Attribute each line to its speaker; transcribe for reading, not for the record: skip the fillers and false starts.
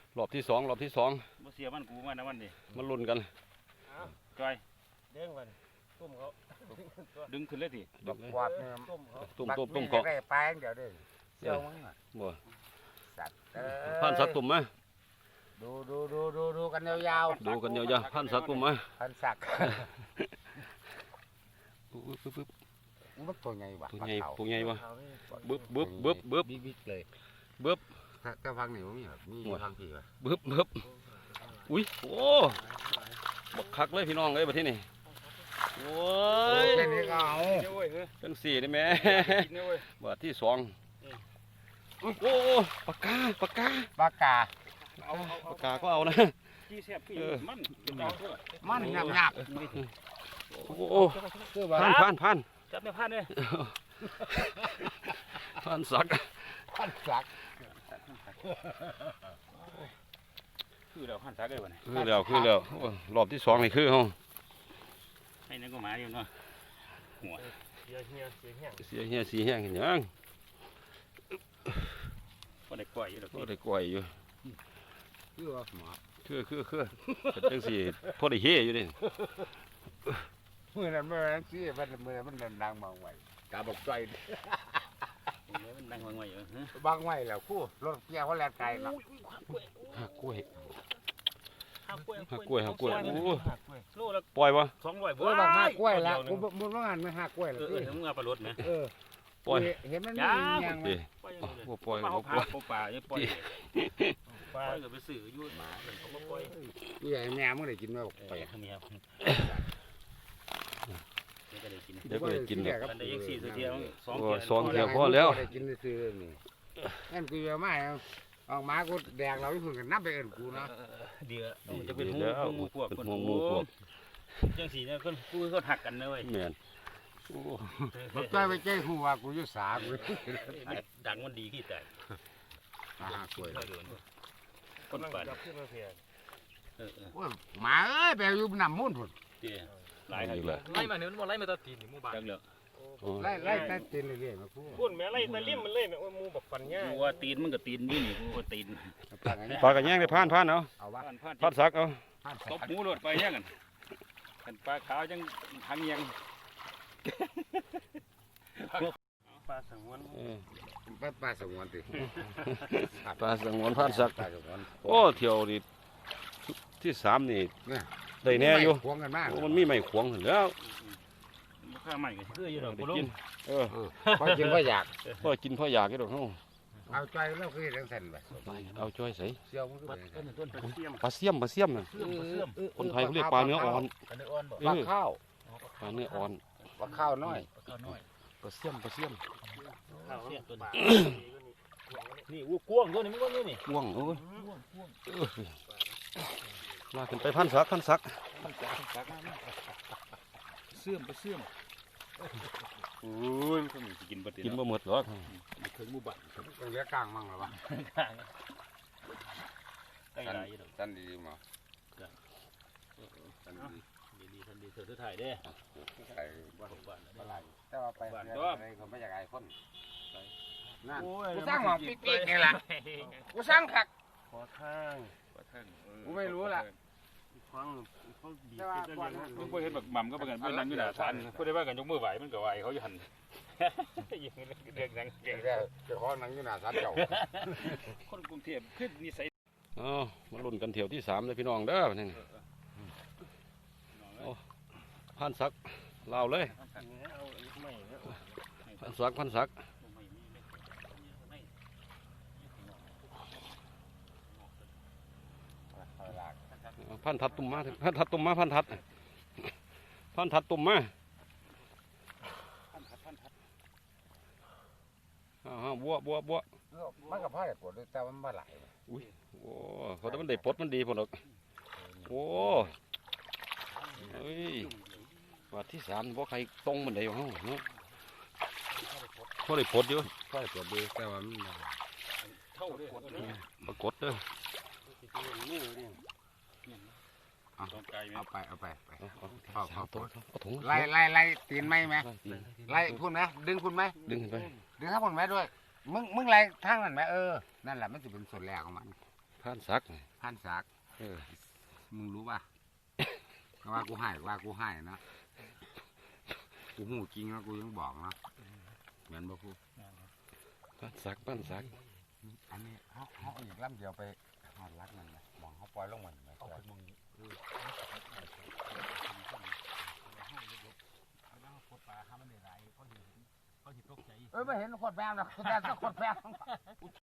Speaker 1: รอบที่สอง
Speaker 2: บ่เสียมันกูมานะวันนี้
Speaker 1: มันลุ้นกัน
Speaker 2: จอย
Speaker 3: เด้งมันตุ้มเขา
Speaker 2: ดึงขึ้นเลยที
Speaker 4: กวาดเนี่ย
Speaker 1: ตุ่มเกาะ
Speaker 4: ได้ปลาเดี๋ยวเด้เสี่ยวมั้ง
Speaker 1: บ่
Speaker 4: สัตว์
Speaker 1: พันสักตุ่มไหม
Speaker 4: ดูกันยาว
Speaker 1: ๆดูกันยาวๆพันสักตุ่มไหม
Speaker 4: พันสัก
Speaker 1: ปึ๊บ
Speaker 4: มันตัวใหญ่ว่ะ
Speaker 1: ตัวใหญ่วะบึ๊บ
Speaker 4: บิ๊กเลย
Speaker 1: บึ๊บ
Speaker 4: ก็ฟังนี่มีฟังพี่ว่ะ
Speaker 1: บึ๊บอุ้ยโอ้บักคักเลยพี่น้องเลยประเทศนี้โอ้ย
Speaker 4: แค่นี้ก็เอา
Speaker 1: จังสี่ได้ไหมบาทที่สองโอ้ปากกาก็เอานะ
Speaker 4: มันหยาบ
Speaker 1: โอ้พัน
Speaker 2: จับไม่พันเลย
Speaker 1: พันสัก
Speaker 2: คือเราพันสักเลยวันนี้
Speaker 1: คือแล้วรอบที่สองนี่คือห้อง
Speaker 2: ให้นั่นก็มาอยู่เนาะหัว
Speaker 1: เสียเหี้ยเห็นยัง
Speaker 2: ก็ได้กล้วยอยู่
Speaker 1: คือว่าหมาคือจังสี่พอได้เฮียอยู่ดิ
Speaker 4: เมื่อนั้นสิมันดังบางไว้กาบอกใจ
Speaker 2: มันดังบางไว้อยู่
Speaker 4: บางไว้แล้วคู่รถเกี่ยวเขาแล่นไกลเนาะ
Speaker 1: หักกล้วย
Speaker 2: โลละ
Speaker 1: ปล่อยวะ
Speaker 2: 200บ่
Speaker 4: บางหักกล้วยละกูบ่ว่างานไม่หักกล้วยละ
Speaker 2: มึงเอาปลารถมั้ย
Speaker 1: ปล่อย
Speaker 4: เห็นมันมีอย่างมั้ย
Speaker 1: ปล่อย
Speaker 2: ป่าอย่าปล่อยก็ไปซื้ออยู่หมาเขาบ่ปล่อย
Speaker 4: ใหญ่แม่มึงได้กินบ่ไป
Speaker 2: มีครับก็ได้กิน
Speaker 1: กัน
Speaker 2: ได้อีก4เที่ยว
Speaker 1: 2เที่ยวพอแล้ว
Speaker 4: ได้กินซื้อนี่งั้นกูเอามาออกมากูแดกเราที่พึ่งกันนับไปเอิ้นกูเนาะ
Speaker 2: เดี๋ยวจะเป็นหูพวกจังสีเนี่ยกูเขาหักกันนะเว้ย
Speaker 1: แม่น
Speaker 4: บ่ใจไปใจฮู้ว่ากูอยู่สากู
Speaker 2: ดังมันดีขี้แตก
Speaker 4: กล้วย
Speaker 2: คนป่า
Speaker 4: โอ้ยหมาเอ้ยไปอยู่น้ำมูลพุ่น
Speaker 2: หลายครับ
Speaker 3: ไล่มาเนี่ยมันไล่มาตะตีนหมู่บ้าน
Speaker 2: จังเลย
Speaker 4: ไล่ตะตีนเรื่อยๆมา
Speaker 3: พูดแม่ไล่ตะลิ่มมันเลยแม่หมู่บักฟันง่าย
Speaker 2: ว่าตีนมันก็ตีนนี่ว่าตีน
Speaker 1: ปลากระแยงได้ผ่านเอาผ่านสักเอา
Speaker 2: ตบหมูหลดไปแย่งกันปลาขาวจังทางเงียงปลาสงวน
Speaker 4: ปลาสงวนติ
Speaker 1: ปลาสงวนผ่านสักโอ้เที่ยวดิที่3นี่ได้แน่อยู่มันมีไม้ขวงแล้ว
Speaker 2: ข้าใหม่ก็คืออยู่ดอกบุ
Speaker 1: กิน
Speaker 4: พอกินพออยาก
Speaker 1: พออยากอยู่ดอกเฮา
Speaker 4: เอาใจแล้วคือจังซั่นบ่
Speaker 1: เอาจ้อยใส่
Speaker 4: เสี่ยวมันคือ
Speaker 1: ปลาเสี่ยมน่ะคนไทยเขาเรียกปลาเนื้ออ่อน
Speaker 4: ปลาข้าว
Speaker 1: ปลาเนื้ออ่อน
Speaker 4: ปลาข้าวน้อย
Speaker 1: ปลาเสี่ยม
Speaker 2: นี่วัวกวงตัวนี้มันก็นี่
Speaker 1: กวงลากขึ้นไปพันสัก
Speaker 2: เสื่อมโอ้ย
Speaker 1: กินบ่หมดหรอก
Speaker 2: ถึงหมู่บ้าน
Speaker 4: เหลือกลางมั่งหรอวะตันดีมา
Speaker 2: ทันดีเธอถ่ายได้
Speaker 4: ถ่ายบ้านอะไรแต่ว่าไปอะไรก็ไม่อยากไอ้คนนั่นกูสร้างหมองปิ๊กๆนี่แหละกูสร้างผัก
Speaker 2: ขอทาง
Speaker 4: กูไม่รู้ล่ะ
Speaker 2: ฟังเขาบีบกันยังมึงไปเห็นแบบหม่ำก็ไปกันไปนั่งอยู่หน้าศาลพูดได้ว่ากันยกมือไหวมันก็ไหวเขาจะหันยิงเรื่องนั่งเก่ง
Speaker 4: แล้วจะขอนั่งอยู่หน้าศาลเจ้า
Speaker 2: คนกรุงเทพขึ้นนิสัย
Speaker 1: มาลุ้นกันเที่ยวที่3เลยพี่น้องเด้อนี่พันสักเล่าเลยพันสักพันทัดตุ่มมาพันทัดตุ่มมาบัว
Speaker 4: มันกับผ้าแต่กดแต่มันไม่ไหล
Speaker 1: อุ้ยโอ้เขาแต่มันได้ปลดมันดีพอหรอกโอ้เฮ้ยวัดที่3บ่ใครตรงมันได้อยู่ห้องเนาะพอได้ปลดอยู่
Speaker 4: แต่ว่ามัน
Speaker 2: เท่า
Speaker 1: ปรากฏเด้อ
Speaker 4: เอาไป
Speaker 1: เอาถุง
Speaker 4: ไล่ตีนไหมไล่พุ่นไหมดึงพุ่นไหม
Speaker 1: ดึงขึ้นไป
Speaker 4: ดึงข้างพุ่นไหมด้วยมึงไล่ทางนั้นไหมนั่นแหละมันจะเป็นส่วนแรกของมัน
Speaker 1: ผ่านซัก
Speaker 4: พันศักดิ์
Speaker 1: เออ
Speaker 4: มึงรู้ป่ะว่ากูให้นะกูหูจริงนะกูยังบอกนะเหมือนบ่พูด
Speaker 1: ผ่านซัก
Speaker 4: อันนี้เขาอีกลำเดียวไปหอดรักมันนะมองเขาปล่อยลงมันไปเอาขึ้นมึงไม่เห็นขวดแป้งนะแต่ก็ขวดแป้ง